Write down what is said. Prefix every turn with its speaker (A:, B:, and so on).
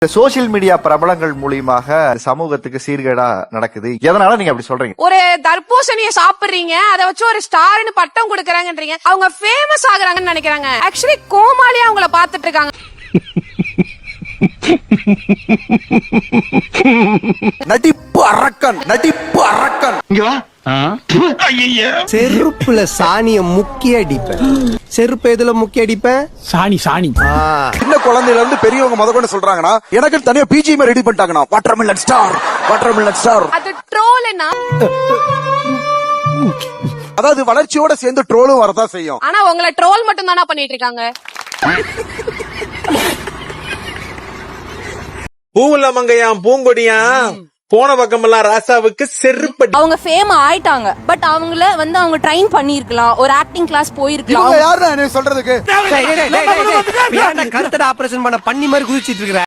A: Social media பிரபலங்கள் மூலியமாக சமூகத்துக்கு சீர்கேடா நடக்குது. எதனால நீங்க அப்படி சொல்றீங்க?
B: ஒரு தர்பூசணிய சாப்பிடுறீங்க, அதை வச்சு ஒரு ஸ்டார்னு பட்டம் கொடுக்கறாங்கன்றீங்க. அவங்க ஃபேமஸ் ஆகுறாங்கன்னு நினைக்கிறாங்க. ஆக்சுவலி கோமாளியா அவங்கள பாத்துட்டு இருக்காங்க.
C: நடிப்பு அரக்கன், நடிப்பு அரக்கன். இங்க வா.
D: செருப்புல சாணிய முக்கிய அடிப்பேன். செருப்பு எதுல முக்கிய அடிப்பேன்? சாணி.
C: சின்ன குழந்தையில இருந்து பெரியவங்க முதல்ல சொல்றாங்கன்னா எனக்கு தனியா பிஜிஎம் ரெடி பண்ணிட்டாங்கண்ணா. Watermelon star, watermelon star.
B: அது ட்ரோல்னா,
C: அதாவது வளர்ச்சியோட சேர்ந்து ட்ரோலும் வரதான் செய்யும்.
B: ஆனா உங்களை ட்ரோல் மட்டும் தானா பண்ணிட்டு இருக்காங்க.
E: பூவுல மங்கையாம் பூங்கொடியாம் போன பக்கமெல்லாம் ராசாவுக்கு செருப்படி.
F: அவங்க ஃபேம் ஆயிட்டாங்க, பட் அவங்கள அவங்க ட்ரைன் பண்ணிருக்கலாம், ஒரு ஆக்டிங் கிளாஸ் போயிருக்கலாம்.
C: யாரு சொல்றதுக்கு
D: கருத்தட ஆபரேஷன் பண்ண பண்ணி மாதிரி குதிச்சிட்டு இருக்கிற